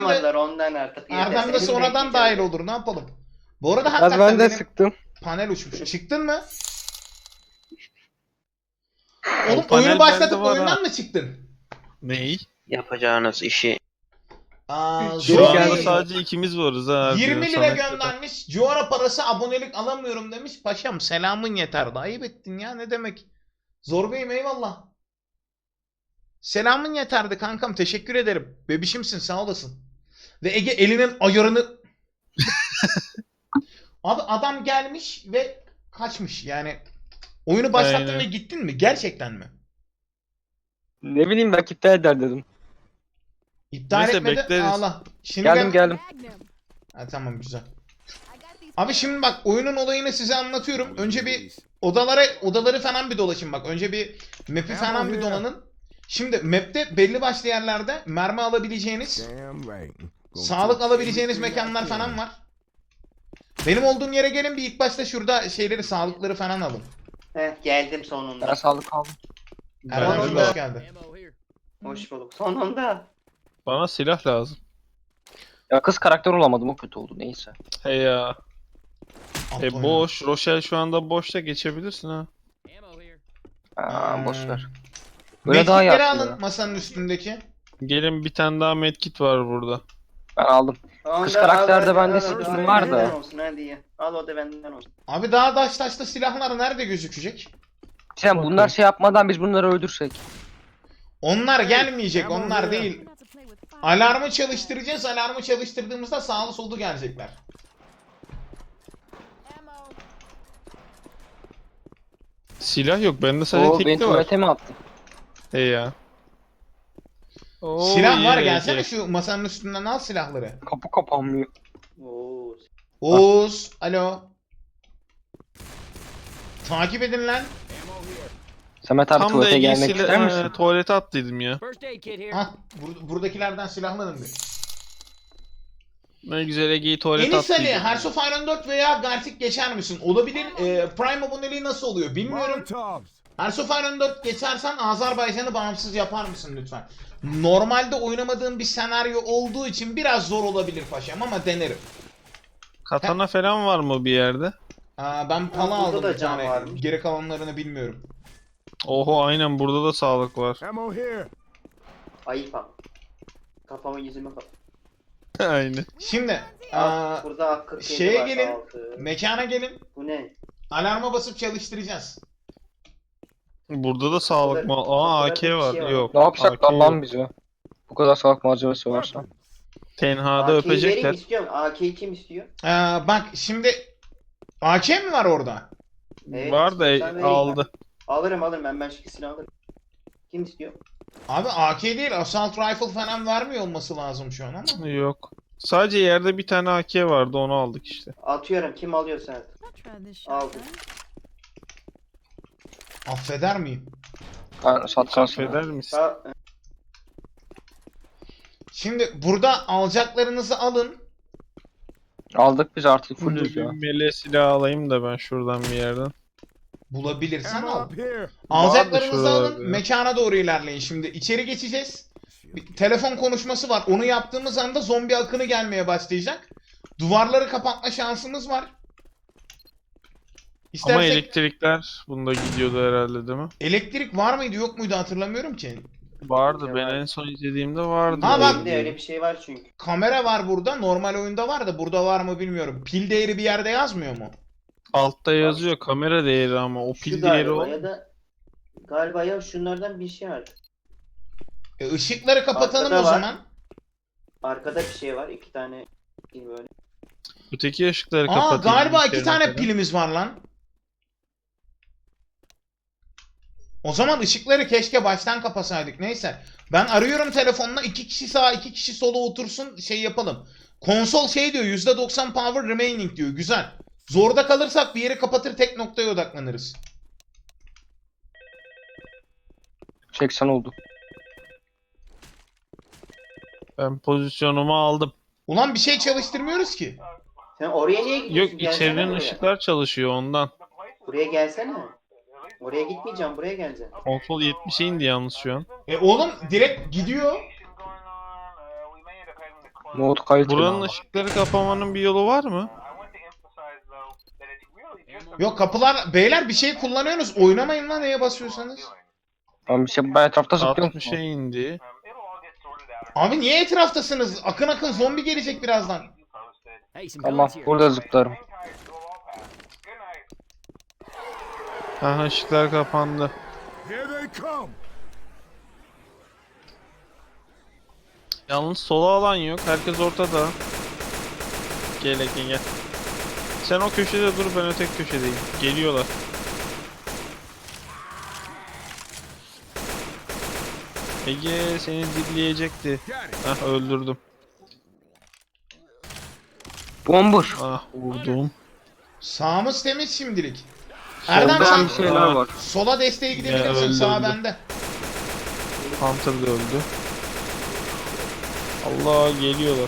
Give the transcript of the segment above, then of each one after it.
Yapmadılar ondan artık. Erdem de sonradan dahil olur, ne yapalım. Bu arada Az hakikaten ben de benim sıktım. panel uçmuş. Çıktın mı? O Oğlum panel oyunu başlatıp bende var ha. oyundan mı çıktın? Ney? Yapacağınız işi. Aa, Şu Geri anda geldi. sadece ikimiz varız ha. 20 diyor lira Samet'le de. göndermiş. Cuara parası abonelik alamıyorum demiş. Paşam selamın yeter. Ayıp ettin ya, ne demek. Zor Bey'im eyvallah. Selamın yeterdi kankam, teşekkür ederim. Bebişimsin, sağ olasın. Ve Ege elinin ayarını... Abi adam gelmiş ve kaçmış yani. Oyunu başlattın Aynen. ve gittin mi? Gerçekten mi? Ne bileyim belki iptal eder dedim. İptal Neyse, etmedi. bekleriz. Ağla. Şimdi Geldim. Ha, tamam güzel. Abi şimdi bak, oyunun olayını size anlatıyorum. Önce bir odaları falan bir dolaşın bak. Önce bir map'i falan bir dolanın. Şimdi map'te belli başlı yerlerde mermi alabileceğiniz, sağlık alabileceğiniz mekanlar falan var. Benim olduğum yere gelin, bir ilk başta şurada şeyleri, sağlıkları falan alın. Heh, geldim Ben sonunda. sağlık aldım. Erdem Ben hoş de- geldin. Hoş bulduk. Sonunda. Bana silah lazım. Ya kız karakter olamadım, o kötü oldu, neyse. Hey ya. At oyunu. Boş. Rochelle şu anda boşta, geçebilirsin ha. Boş ver. Böyle daha iyi Medkitleri aslında. alın masanın üstündeki. Gelin, bir tane daha medkit var burada. Ben aldım. Ondan karakterde al, bende al, sıkıntı al, var da. benden olsun hadi ya. Al o da benden olsun. Abi daha taşta silahlar nerede gözükecek? Sen Bakın. bunlar şey yapmadan biz bunları öldürsek. Onlar gelmeyecek, onlar değil. Alarmı çalıştıracağız. Alarmı çalıştırdığımızda sağlı sollu gelecekler. Silah yok. Bende sadece O beni tekli var. tuvalete mi attı? Hey ya. Oo, Silah var, iyi, gelsene iyi. şu masanın üstünden al silahları. Kapı kapanmıyor. Oo. Oğuz, alo. Takip edin lan. Samet abi Tam da tuvalete Ege'yi gelmek ister misin? tuvalete attıydım ya. Hah, buradakilerden silahlanın bir. Ne güzel, Ege'yi tuvalete Enis Ali, attıydım. Hearts of Iron 4 veya Gartic geçer misin? Olabilir. Prime aboneliği nasıl oluyor bilmiyorum. Hearts of Iron 4 geçersen Azerbaycan'ı bağımsız yapar mısın lütfen? Normalde oynamadığım bir senaryo olduğu için biraz zor olabilir paşam ama denerim. Katana falan var mı bir yerde? Ben pala burada aldım da bir can tane. varmış. Geri kalanlarını bilmiyorum. Oho, aynen, burada da sağlık var. Ayıp ama. Kafamı yüzüme kap. Aynen. Şimdi Burada 47 şeye var, gelin. 6. Mekana gelin. Bu ne? Alarma basıp çalıştıracağız. Burada da sağlık mı? Aa, AK Burada bir var. şey var. Yok. Ne yapacak AK lan yok. bize? Bu kadar sağlık malzemesi varsa. Tenhada AK'yi vereyim öpecekler. istiyorum. AK'yi kim istiyor? Bak şimdi AK mi var orada? Evet, Var da istiyorsan vereyim aldı. Alırım ben şikisini alırım. Kim istiyor? Abi AK değil, Assault Rifle falan vermiyor olması lazım şu an ama. Yok. Sadece yerde bir tane AK vardı, onu aldık işte. Atıyorum, kim alıyorsa at. Aldım. Affeder miyim? Ben satkansın. Affeder misin? Şimdi burada alacaklarınızı alın. Aldık biz artık Full fullüz ya. mele silah alayım da ben şuradan bir yerden. Bulabilirsen al. Vardı Alacaklarınızı şuralarda alın. ya. Mekana doğru ilerleyin. Şimdi içeri geçeceğiz. Bir telefon konuşması var. Onu yaptığımız anda zombi akını gelmeye başlayacak. Duvarları kapatma şansımız var. Ama İstersek elektrikler bunda gidiyordu herhalde, değil mi? elektrik var mıydı yok muydu hatırlamıyorum ki. Vardı. Ya Ben var. en son izlediğimde vardı. Ha, bak. Elimde öyle bir şey var çünkü. Kamera var burada. Normal oyunda var da burada var mı bilmiyorum. Pil değeri bir yerde yazmıyor mu? Altta yazıyor kamera değeri, ama o Şu pil değeri galiba o. ya da galiba ya şunlardan bir şey var. Işıkları kapatalım Arkada o var. zaman. Arkada bir şey var. 2 tane pil böyle. Öteki ışıkları Aa, kapatayım. galiba bir 2 kere tane mesela. pilimiz var lan. O zaman ışıkları keşke baştan kapasaydık. Neyse. Ben arıyorum telefonla, 2 kişi sağa 2 kişi sola otursun, şey yapalım. Konsol şey diyor, %90 power remaining diyor. Güzel. Zorda kalırsak bir yeri kapatır, tek noktaya odaklanırız. 80 oldu. Ben pozisyonumu aldım. Ulan bir şey çalıştırmıyoruz ki. Sen oraya niye gidiyorsun? Yok, Gelsene içerinin buraya. ışıklar çalışıyor ondan. Buraya gelsene. Oraya gitmeyeceğim, buraya geleceğim. Konsol 70'e indi yalnız şu an. Oğlum direkt gidiyor. Nohut kayıt. Buranın ışıkları kapamanın bir yolu var mı? Yok kapılar beyler bir şey kullanıyorsunuz. Oynamayın lan neye basıyorsanız. Tamam bir şey bayağı etrafta zıplıyorum. 60'a indi. Abi niye etraftasınız? Akın akın zombi gelecek birazdan. Tamam burada zıplarım. Aha ışıklar kapandı. Yalnız sola alan yok. Herkes ortada. Gel Ekin gel. Sen o köşede dur, ben öteki köşedeyim. Geliyorlar. Ege seni dilleyecekti. Ah öldürdüm. Bombur. Ah vurdum. Sağımız temiz şimdilik. Erdem Solda sen bir şeyler var. sola desteğe gidebilirsin. öldü, Sağ öldü. bende. Hunter da öldü. Allah geliyorlar.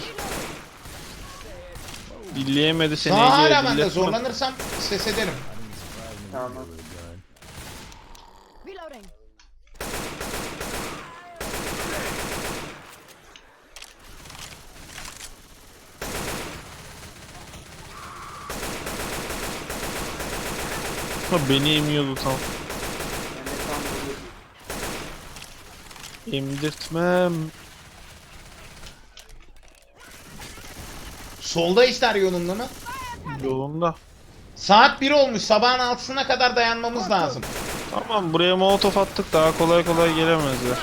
Dilleyemedi seni Sağ hala Ege. bende. dilletme. Zorlanırsam ses ederim. Tamam. Reloading. Ha, beni emiyordu tam. Ben de tam böyle- Emdirtmem. Solda ister yolunda mı? Yolunda. Saat 1 olmuş. Sabahın 6'sına kadar dayanmamız lazım. Tamam buraya molotof attık, daha kolay kolay gelemezler.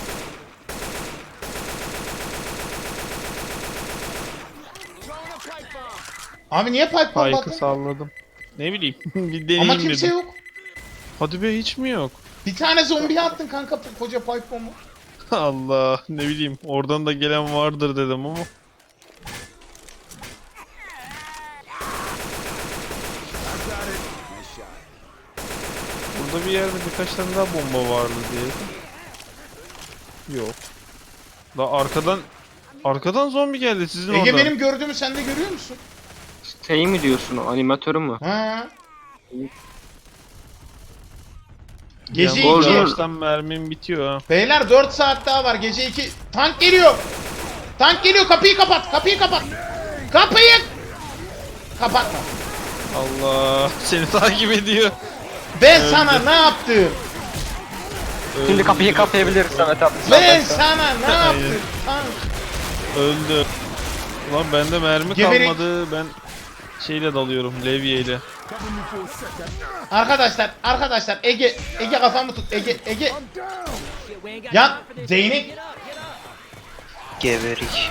Abi niye pipe bomb Pike'ı attın? salladım. Ne bileyim bir deneyeyim Ama kimse dedim. yok. Hadi be hiç mi yok? Bir tane zombi attın kanka koca pipe bombu. Allah ne bileyim oradan da gelen vardır dedim ama. Burada bir yerde birkaç tane daha bomba vardı diye. Yok. Da arkadan zombi geldi sizin Ege oradan. benim gördüğümü sen de görüyor musun? Şey mi diyorsun o animatörü mü? Ha. Gece Gece Yani 2. Yavaştan mermim bitiyor ha. Beyler 4 saat daha var. Gece 2. Tank geliyor. Tank geliyor. Kapıyı kapat. Kapıyı kapat. Kapıyı kapatma. Allah seni takip ediyor. Ben sana ne yaptım? Şimdi kapıyı kapayabiliriz Samet abi. Ben sana ne yaptım? Tank. Öldü. Ulan bende mermi Geberek. kalmadı. Ben şeyle dalıyorum, levyeyle. Arkadaşlar Ege kafamı tut. Ege. Ya değnek. Geberik.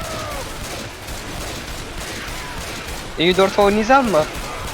İyi 4 oynayacak mı?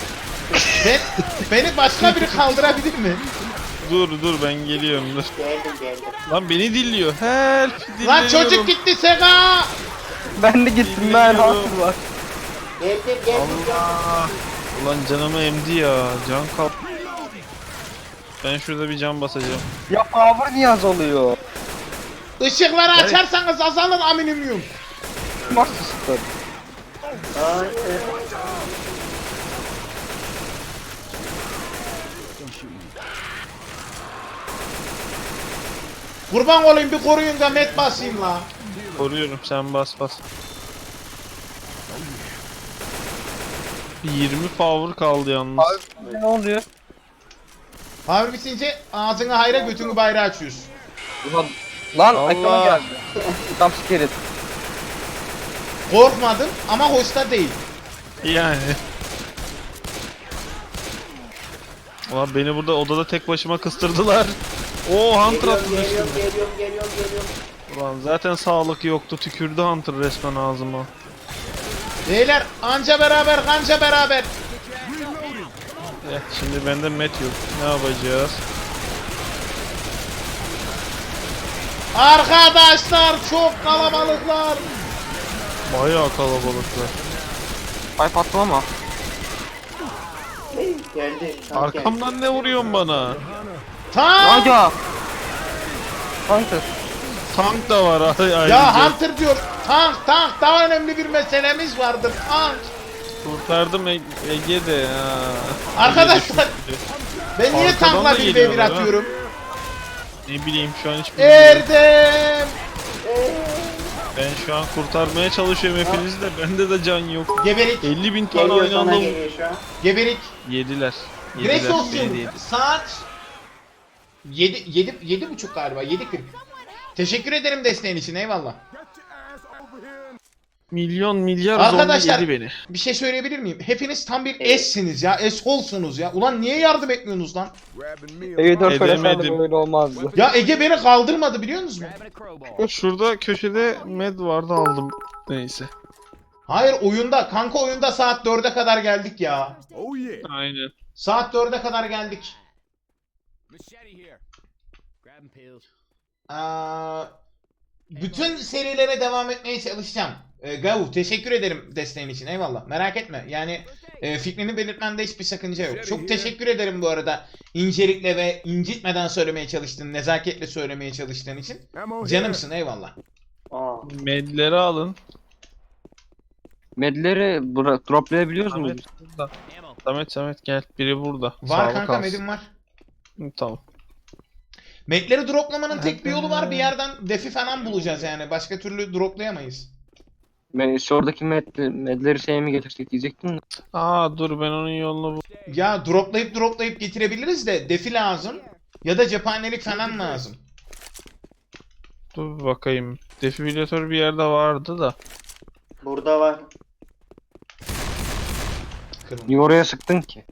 Beni başka biri kaldırabilir mi? Dur ben geliyorum dur. Geldim. Lan beni dilliyor. Help Lan dilleniyorum. çocuk gitti Sega. Ben de gittim ben haklı var. Geldim. Allah. Ulan canımı emdi ya. Can kap. Ben şurada bir can basacağım. Ya power niye az oluyor? Işıkları açarsanız azalır aminyum. Nasıl sıkıntı? Hayır. Kurban olayım bir koruyun da met basayım la. Koruyorum sen bas. Bir 20 power kaldı yalnız. Ne oluyor? Power bitince ağzını hayra götünü bayrağı açıyorsun. Lan Allah. ekrana geldi. Tam skelet. Korkmadım ama hoşta değil. Yani. Ulan beni burada odada tek başıma kıstırdılar. Oo Hunter attı üstüme. Geliyorum. Ulan zaten sağlık yoktu. Tükürdü Hunter resmen ağzıma. Beyler anca beraber kanca beraber. Şimdi bende met yok. Ne yapacağız? Arkadaşlar çok kalabalıklar. Bayağı kalabalıklar. Ay patlama. Geldi. Tank geldi. Arkamdan ne vuruyorsun bana? Tank. Aga. Hunter. Tank da var ayrıca. Ya Hunter diyor. Tank daha önemli bir meselemiz vardır. Tank. Kurtardım Ege de ya. Arkadaşlar ben niye Arkadan tankla da bir geliyorlar devir ha. atıyorum? Ne bileyim şu an hiç bilmiyorum. Erdem. Ben şu an kurtarmaya çalışıyorum hepinizi de. Bende de can yok. Geberik. 50.000 tane Geliyor aynı sana anda geliyor şu an. Geberik. yediler. Grace Yediler, olsun. beni de yedi. Saat 7.30 galiba. 7.40. Teşekkür ederim desteğin için. Eyvallah. Milyon milyar Arkadaşlar, zombi yedi beni. bir şey söyleyebilir miyim? Hepiniz tam bir S'siniz ya. S-holsunuz ya. Ulan niye yardım etmiyorsunuz lan? Evi 4 oynasaydım Edemedim. öyle olmazdı. Ya Ege beni kaldırmadı biliyor musunuz? Şurada köşede med vardı aldım. Neyse. Hayır oyunda. Kanka oyunda saat 4'e kadar geldik ya. Aynen. Saat 4'e kadar geldik. Bütün serilere devam etmeye çalışacağım. Gavu teşekkür ederim desteğin için, eyvallah. Merak etme yani fikrini belirtmende hiçbir sakınca yok. Çok teşekkür ederim bu arada incelikle ve incitmeden söylemeye çalıştığın, nezaketle söylemeye çalıştığın için. Canımsın, eyvallah. Aa. Medleri alın. Medleri droplayabiliyoruz muyuz? Samet burada. Samet gel. Biri burada. Var Sağlık kanka, alsın. medim var. Hı, tamam. Medleri droplamanın tek bir yolu var, bir yerden defi falan bulacağız yani. Başka türlü droplayamayız. Oradaki medleri şeye mi getirsek diyecektim de. Aa dur ben onun yolunu bul. Ya droplayıp getirebiliriz de defi lazım. Ya da cephanelik falan lazım. Dur bir bakayım. Defibrilatör bir yerde vardı da. Burada var. Kırmızı. Niye oraya sıktın ki?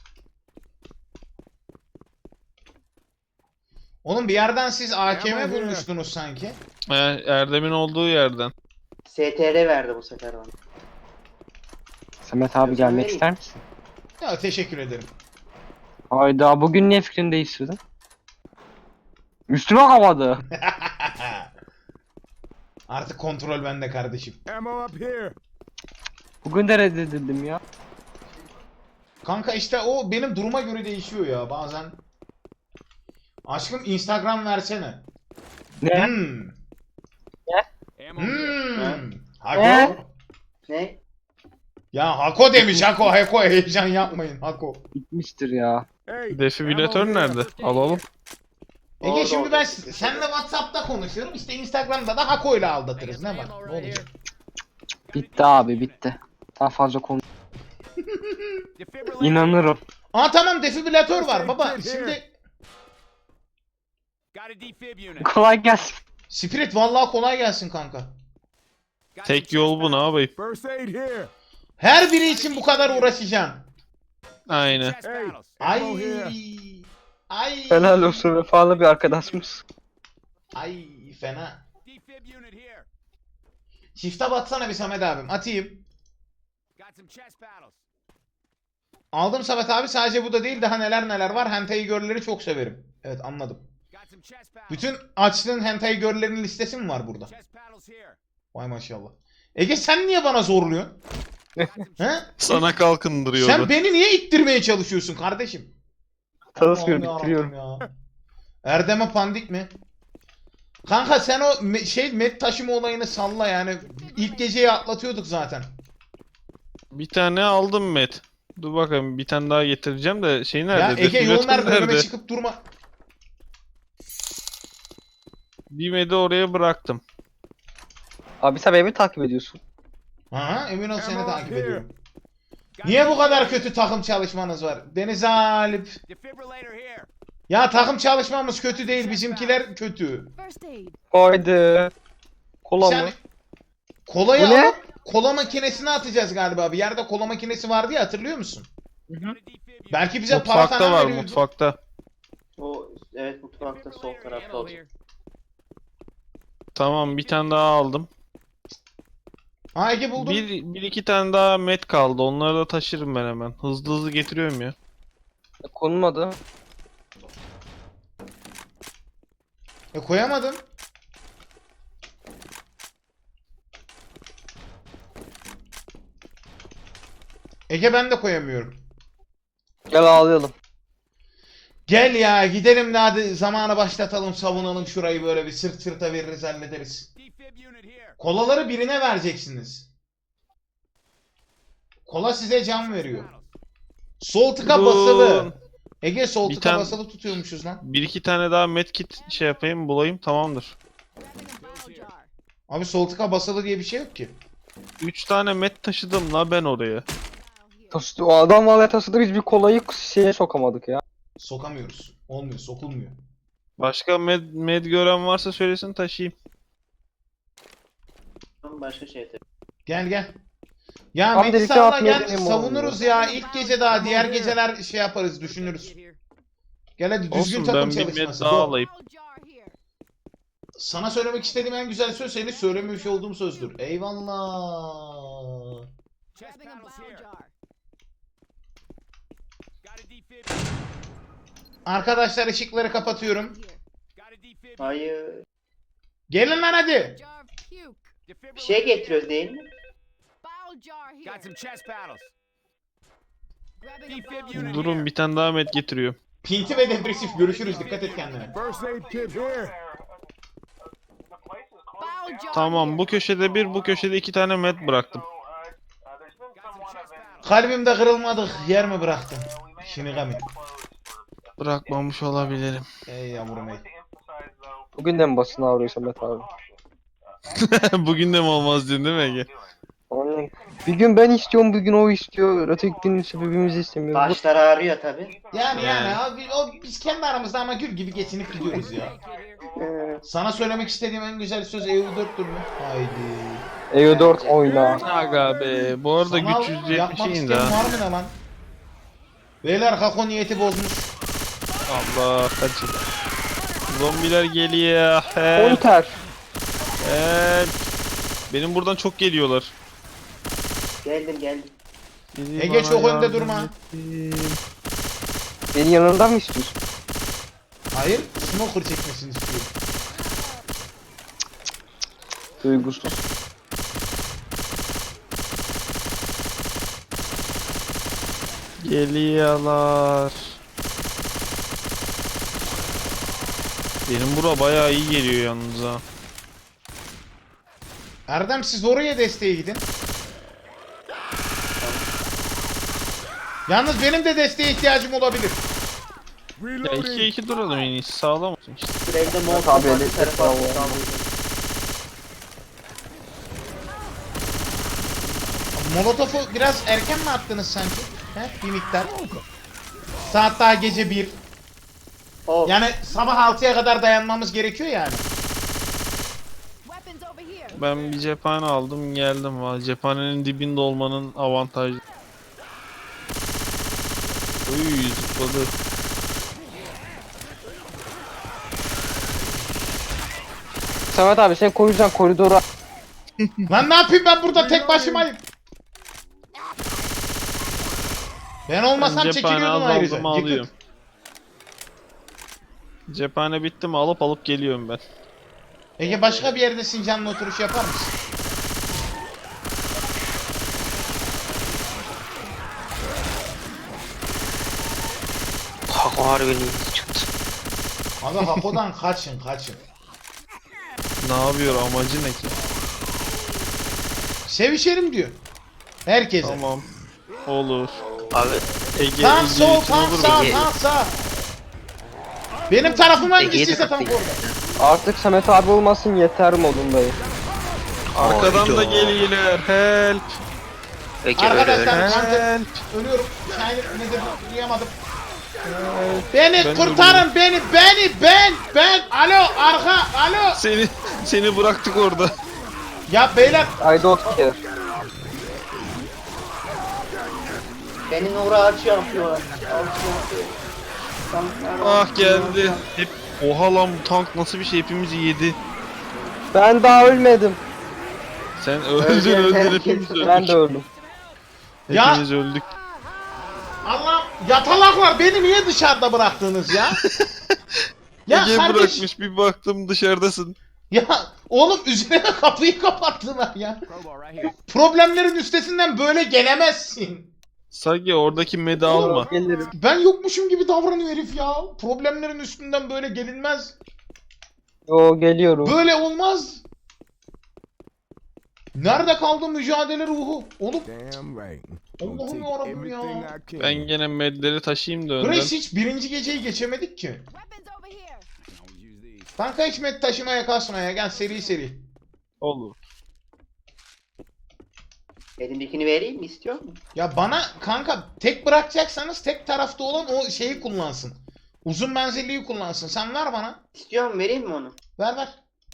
Oğlum bir yerden siz AKM bulmuştunuz sanki. Erdem'in olduğu yerden. STR verdi bu sefer bana. Samet abi Gözünü gelmek vereyim. ister misin? Ya teşekkür ederim. Hayda bugün niye fikrini değiştirdin? Üstüme kalmadı. Artık kontrol bende kardeşim. Bugün de reddedildim ya. Kanka işte o benim duruma göre değişiyor ya bazen. Aşkım Instagram versene. Ne? Hmm. Hmm. Hako. Ne? Ne? Ya Hako demiş Hako. Hako heyecan yapmayın Hako. Bitmiştir ya. Defibrilatör nerede? Alalım. Ege Orada, şimdi orada. ben seninle WhatsApp'ta konuşuyorum. İşte Instagram'da da Hako ile aldatırız. Ne var? Ne olacak? Bitti abi bitti. Daha fazla konu. İnanırım. Aa tamam, defibrilatör var baba. Şimdi Kolay gelsin. Spirit vallahi kolay gelsin kanka. Tek yol bu, ne yapayım? Her biri için bu kadar uğraşacağım. Aynen. Ay. Ay. Helal olsun, vefalı bir arkadaşımız. Ay fena. Shift'e batsana bir Samet abim. Atayım. Aldım Samet abi, sadece bu da değil, daha neler var. Hentai girl'leri çok severim. Evet anladım. Bütün açtığın hentai girl'lerin listesi mi var burada? Vay maşallah. Ege sen niye bana zorluyorsun? He? Sana kalkındırıyordu. Sen beni niye ittirmeye çalışıyorsun kardeşim? Tanışmıyorum, Allah'ım bitiriyorum. yarabbim ya. Erdem'e pandik mi? Kanka sen o met taşıma olayını salla yani. İlk geceyi atlatıyorduk zaten. Bir tane aldım Met. Dur bakayım, bir tane daha getireceğim de şey Ya nerede? Ege yol Defibrilatör ver, önüme nerede? çıkıp durma. Bir Med'i oraya bıraktım. Abi sen beni takip ediyorsun. Aha, emin ol seni takip ediyorum. Niye bu kadar kötü takım çalışmanız var? Deniz Alip. Ya takım çalışmamız kötü değil, bizimkiler kötü. Haydi. Kola Sen mı? kolayı Bu ne? alıp kola makinesine atacağız galiba. Bir yerde kola makinesi vardı ya, hatırlıyor musun? Belki bize para Mutfakta falan var, veriyordu. mutfakta. O evet, mutfakta sol tarafta olacak. Tamam, bir tane daha aldım. Ha Ege buldum. Bir iki tane daha Met kaldı. Onları da taşırım ben hemen. Hızlı hızlı getiriyorum ya. Konulmadı. Koyamadım. Ege ben de koyamıyorum. Gel ağlayalım. Gel ya gidelim de hadi zamanı başlatalım, savunalım şurayı, böyle bir sırt sırta veririz, hallederiz. Kolaları birine vereceksiniz. Kola size can veriyor. Sol tıka Dur. basılı. Ege sol Bir tıka tane- basılı tutuyormuşuz lan. Bir iki tane daha medkit şey yapayım, bulayım, tamamdır. Abi sol tıka basılı diye bir şey yok ki. 3 tane met taşıdım la ben oraya. Taşıdı, o adam vallahi taşıdı, biz bir kolayı şeye sokamadık ya. Sokamıyoruz. Olmuyor, sokulmuyor. Başka med gören varsa söylesin taşıyayım. Başka şey tabii. Gel gel. Ya Abi Mehdi delikte salla atmaya gel deneyim savunuruz ya. İlk gece daha diğer geceler şey yaparız düşünürüz. Gel hadi düzgün Olsun takım ben bir med çalışması. daha Go. alayım. Sana söylemek istediğim en güzel söz seni söylememiş olduğum sözdür. Eyvallah. Arkadaşlar ışıkları kapatıyorum. Hayır. Gelin lan hadi. Bir şey getiriyoruz değil mi? Got some chest paddles. Durun bir tane daha med getiriyorum. Pinti ve depresif görüşürüz. Dikkat et kendine. First aid kit here. Tamam bu köşede bir bu köşede 2 tane med bıraktım. Kalbimde kırılmadık. Yer mi bıraktın? Shinigami. Bırakmamış olabilirim. Ey yavrum ey. Bugün de mi basın ağrıyor Samet abi? Bugün de mi olmaz diyorsun değil mi Ege? Aynen. Bir gün ben istiyorum, bir gün o istiyor. Öteki gün ise birbirimizi istemiyoruz. Başlar ağrıyor tabii. Yani abi, biz kendi aramızda ama gül gibi geçinip gidiyoruz ya. Sana söylemek istediğim en güzel söz EU4'tür mü? Haydi. EU4 oyna. Aga be bu arada Sanal güç 170 yapmak indi isteyen ha. var mı ne lan? Beyler Hako niyeti bozmuş. Allah kaçın. Zombiler geliyor. Help. Konter. Help. Benim buradan çok geliyorlar. Geldim. Biri Ege, bana çok önde yardım durma. etsin. Beni yanından mı istiyorsun? Hayır, smoker çekmesini istiyorum. Duygusuz. Geliyorlar. Benim bura bayağı iyi geliyor yalnız ha. Erdem siz oraya desteğe gidin. Yalnız benim de desteğe ihtiyacım olabilir. Ya Reloading. 2-2 duralım en iyisi sağlam olsun işte. Süreyde molotof Tabii, var, bir evet, tarafa bravo. saldırıyor. Molotofu biraz erken mi attınız sanki? He? Bir miktar. Saat daha gece 1. Of. Yani sabah 6'ya kadar dayanmamız gerekiyor yani. Ben bir cephane aldım geldim valla. Cephanenin dibinde olmanın avantajı. Uy zıpladı. Samet abi sen koyacaksın koridora. Lan ne yapayım ben burada tek başımayım. Ben olmasam Ben cephane çekiliyordum ayrıca. azaldım alıyorum. Yıkık. Cephane bitti mi alıp geliyorum ben. Ege başka bir yerde Sincan'la oturuş yapar mısın? Hako harbiden iyi çıktı. Abi Hako'dan kaçın. Ne yapıyor amacı ne ki? Sevişelim diyor. Herkese. Tamam. Olur. Abi Ege Tam Ege sol, için tam olur sağ, mu? tam sağ. Benim tarafım hangisiyse tam orada. artık Samet abi olmasın yeter modundayım. Arkadan da geliyorlar. Help. Arkadaşlar Help. artık ölüyorum. Şahin nedir duyamadım. Beni Ben kurtarın beni. Ben. Alo arka alo. Seni bıraktık orada. Ya beyler I don't care. Beni Nura açıyor yapıyorlar. Ah geldi. Hep oha lan bu tank nasıl bir şey hepimizi yedi. Ben daha ölmedim. Sen öldün hepimiz öldük. Ben de öldüm. Ya- Hepimiz öldük. Allah yatalaklar beni niye dışarıda bıraktınız ya? Ya Ege kardeş bırakmış bir baktım dışarıdasın. ya oğlum üzerine kapıyı kapattılar ya. Crowbar right here. Problemlerin üstesinden böyle gelemezsin. Sagi oradaki medi alma. Gelirim. Ben yokmuşum gibi davranıyor herif ya. Problemlerin üstünden böyle gelinmez. Yo geliyorum. Böyle olmaz. Nerede kaldı mücadele ruhu? Oğlum Damn right. Allah'ım Gonna take yarabbim everything ya. I can. Ben gene medleri taşıyayım da önden. Grace hiç birinci geceyi geçemedik ki. Always use these. Kanka hiç med taşımaya kasmaya gel seri. Olur. Elimdekini vereyim mi, istiyor musun? Ya bana kanka tek bırakacaksanız tek tarafta olan o şeyi kullansın. Uzun menzilliyi kullansın. Sen ver bana. İstiyor musun, vereyim mi onu? Ver.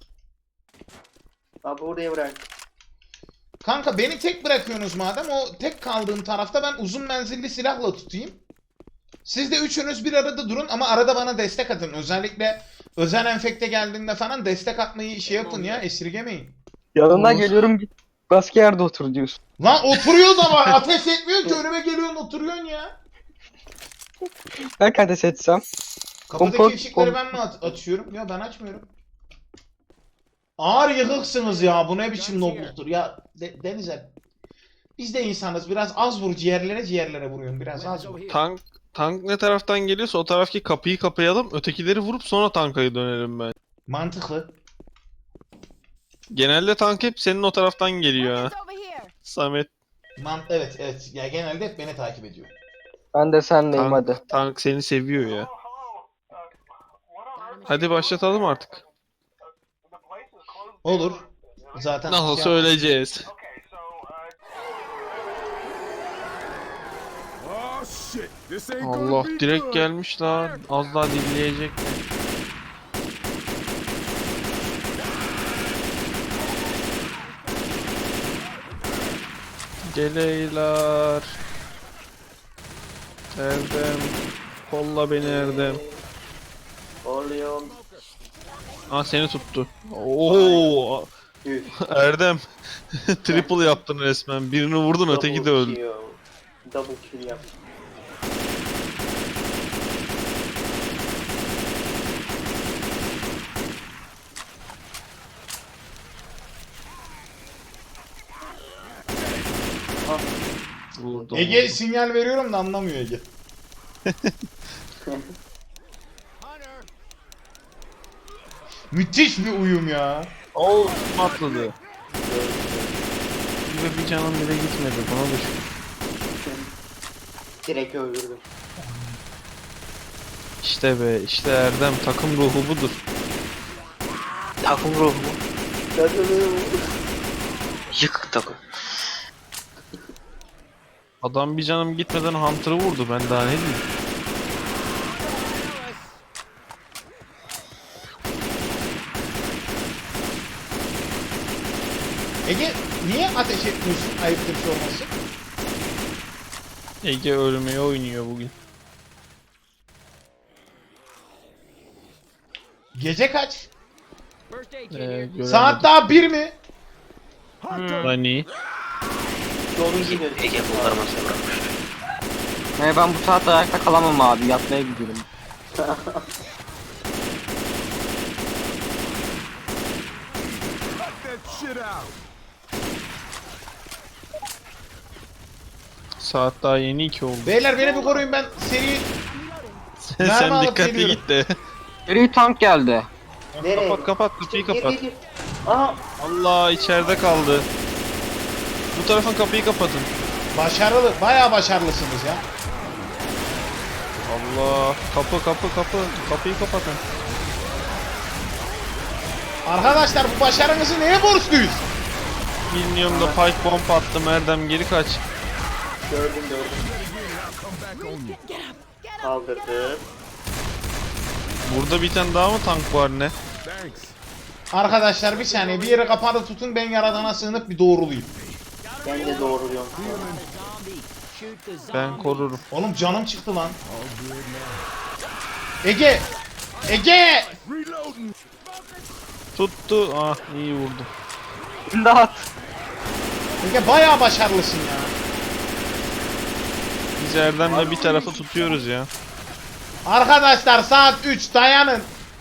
Abi oraya bırak. Kanka beni tek bırakıyorsunuz madem, o tek kaldığım tarafta ben uzun menzilli silahla tutayım. Siz de üçünüz bir arada durun ama arada bana destek atın. Özellikle özel enfekte geldiğinde falan destek atmayı şey yapın ya, esirgemeyin. Yanına Olur. geliyorum git. Başka yerde otur diyorsun. Lan oturuyor da var, ateş etmiyor ki, önüme geliyorsun oturuyorsun ya. Ben ateş etsem. Kapıdaki Komport- ışıkları ben mi açıyorum? Ya ben açmıyorum. Ağır yıkıksınız ya, bu ne biçim nobluktur ya. Denizel. Biz de insanız, biraz az vur, ciğerlere vuruyorum, biraz az vur. Tank ne taraftan geliyorsa o taraftaki kapıyı kapayalım. Ötekileri vurup sonra tankaya dönelim ben. Mantıklı. Genelde tank hep senin o taraftan geliyor ha. Weapons over here. Samet, Evet. Ya genelde hep beni takip ediyor. Ben de senleyim hadi. tank seni seviyor ya. Hadi başlatalım artık. Olur. Zaten Nasıl şey- söyleyeceğiz? Oh shit. This ain't Allah, gonna be direkt good. gelmiş lan. Az daha dinleyecek. Geleyler. Erdem. Kolla beni Erdem. Oluyorum. Aa, seni tuttu. Oo, Üf. Erdem. Triple yaptın resmen. Birini vurdun, öteki de öldü. Double kill yap. Vurdum. Ege sinyal veriyorum da anlamıyor Ege. Müthiş bir uyum ya. Oo, atladı. Bir canım bile gitmedi. Buna düşün. Direkt öldürdüm. İşte be, işte Erdem, takım ruhu budur. Takım ruhu mu? Kadınım. Yıkık takım. Adam bir canım gitmeden Hunter'ı vurdu, ben daha ne diyeyim. Ege niye ateş etmiyorsun, ayıptır sorması? Ege ölmeye oynuyor bugün. Gece kaç? Göremedim. Saat daha 1 mi? Hani? Sonuncu göz. Ben bu saatte ayakta kalamam abi. Yatmaya gidiyorum. Cut that shit out. Saat daha yeni 2 oldu. Beyler beni bir koruyun, ben seri... Sen Mermi alıp dikkatli geliyorum. git de. Geri tank geldi. Nereye? Kapat kapıyı Gir, kapat. gir, gir. Aha. Allah, içeride kaldı. Bu tarafın kapıyı kapatın. Başarılı, bayağı başarılısınız ya. Allah, kapıyı kapatın. Arkadaşlar bu başarınızı neye borçluyuz? Bilmiyorum da pike bomb attım, Erdem geri kaç. Gördüm. Come back on you. Kaldırdım. Burada bir tane daha mı tank var ne? Thanks. Arkadaşlar bir saniye, bir yere kapalı tutun, ben yaradana sığınıp bir doğrulayayım. Ben de doğruluyorum. Ben korurum. Oğlum canım çıktı lan. Ege! Ege! Reloading. Tuttu. Ah, iyi vurdu. İmdat. Ege bayağı başarılısın ya. Biz Erdem'le bir tarafı tutuyoruz ya. Arkadaşlar saat 3, dayanın.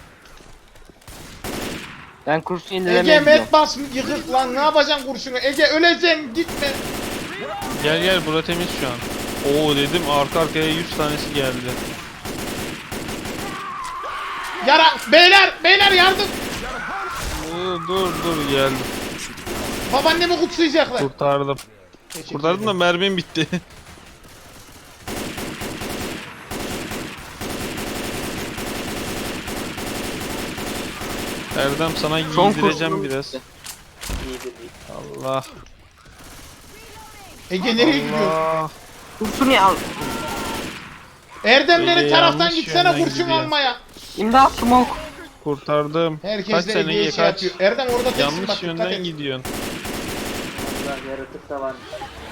Ben kursu Ege yenilemeye gidiyorum. met bas yıkık lan, ne yapacaksın kurşunu? Ege öleceksin, gitme. Gel bura temiz şu an. Oo dedim, arka arkaya 100 tanesi geldi. Yara, beyler yardım. Dur geldim. Babaannemi kutsayacaklar. Kurtardım. Teşekkür Kurtardım da ederim. mermim bitti. Erdem, sana Son giydireceğim kurşunum biraz. bitti. iyiydi değil. Allah. Ege nereye gidiyor? Allah. Kurşun ya. Erdem beni Ege taraftan yanlış gitsene yönden kurşun gidiyor. almaya. İmdat smoke. Kurtardım. Herkes Kaç de sene Ege'ye Ege şey kaç? yapıyor. Erdem orada teksin bak Yanlış dikkat yönden et. gidiyorsun. Allah yaratık da var.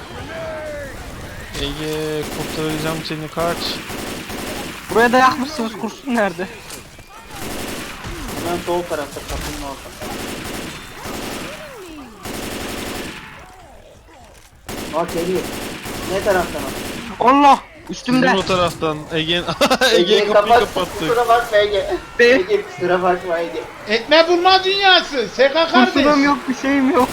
Ege kurtaracağım seni kaç. Buraya da yakmışsınız, kurşun nerede? Hemen sol tarafta kapının ortasında. Bak geliyor. Ne taraftan o? Allah! Sizin Üstümde. o taraftan Ege Ege'yi kapıyı kapat. kapattık. Kusura bakma Ege. Be. Ege kusura bakma Ege. Etme bulma dünyası. SK Kurşunum kardeş. yok, bir şeyim yok.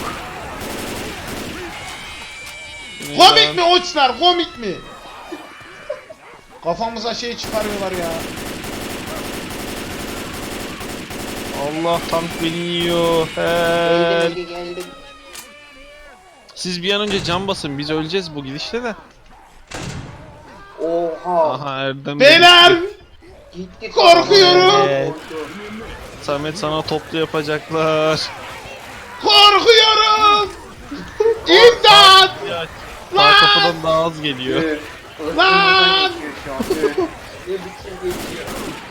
Komik mi oçlar komik mi? Kafamıza şey çıkarıyorlar ya. Allah tank beni yiyor. Geldim Help. Ege geldim. Siz bir an önce can basın biz öleceğiz bu gidişte de. Oha. Aha Erdem. Beyler! Gitti. Korkuyorum. Evet. Samet sana toplu yapacaklar. Korkuyorum. İmdat! Ya, sağ Lan! kapıdan daha az geliyor. Lan! Geçiyor şu an. Ne biçim geçiyor.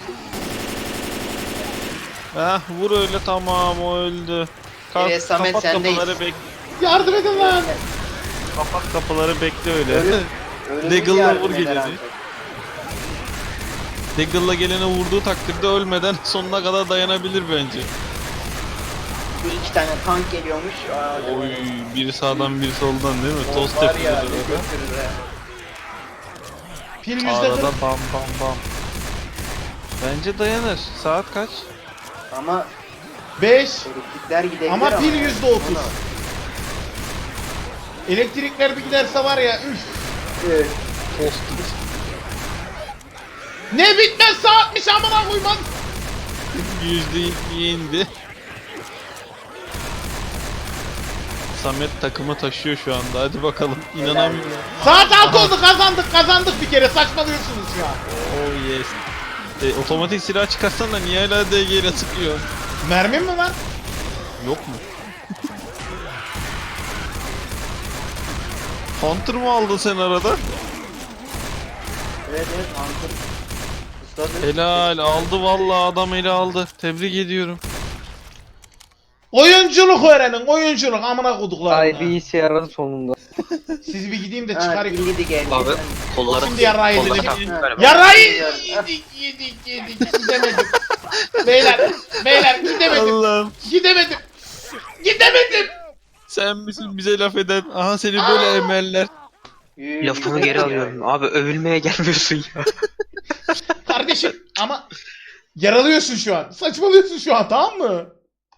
Heh vur öyle tamam o öldü. Evet, Samet, kapat sendeyiz. kapıları bekle. Yardım edin lan. Kapat kapıları bekle öyle. Ölüm- Ölümcül Deagle'la yardım vur eder geleni. ancak. Deagle'la gelene vurduğu takdirde ölmeden sonuna kadar dayanabilir bence. Bir iki tane tank geliyormuş. Aa, Oy biri sağdan biri soldan değil mi? o Tost var ya, yapıyorlar ne orada. götürür ha. Pil yüzde Arada kırk. bam bam bam. Bence dayanır. Saat kaç? Ama 5. elektrikler gidebilir Ama pil ya. yüzde 30. Elektrikler bir giderse var ya üf. Evet. Tost. Ne bitmez saatmiş amına koymaz. %2 indi. Samet takımı taşıyor şu anda. Hadi bakalım. İnanamıyorum. Saat 6 oldu kazandık bir kere saçmalıyorsunuz ya. Oh yes. Otomatik silah çıkarsan da niye hala DG ile sıkıyor? Mermim mi var? Yok mu? Hunter mı aldın sen arada? Evet evet Hunter. Ustadı. Helal aldı vallahi adam eli aldı. Tebrik ediyorum. Oyunculuk öğrenin oyunculuk amına koduklarına. Ay bir işe yaradı sonunda. Sizi bir gideyim de Ha, çıkarayım. bildi geldi. Abi kolları Şimdi yarrağı kolları yedik. Ha. Yarayı yedik gidemedim. Beyler gidemedim. Allah'ım. Gidemedim. Sen misin bize laf eden? Aha seni böyle emeller. lafımı geri alıyorum. Abi övülmeye gelmiyorsun ya. Kardeşim ama yaralıyorsun şu an. Saçmalıyorsun şu an tamam mı?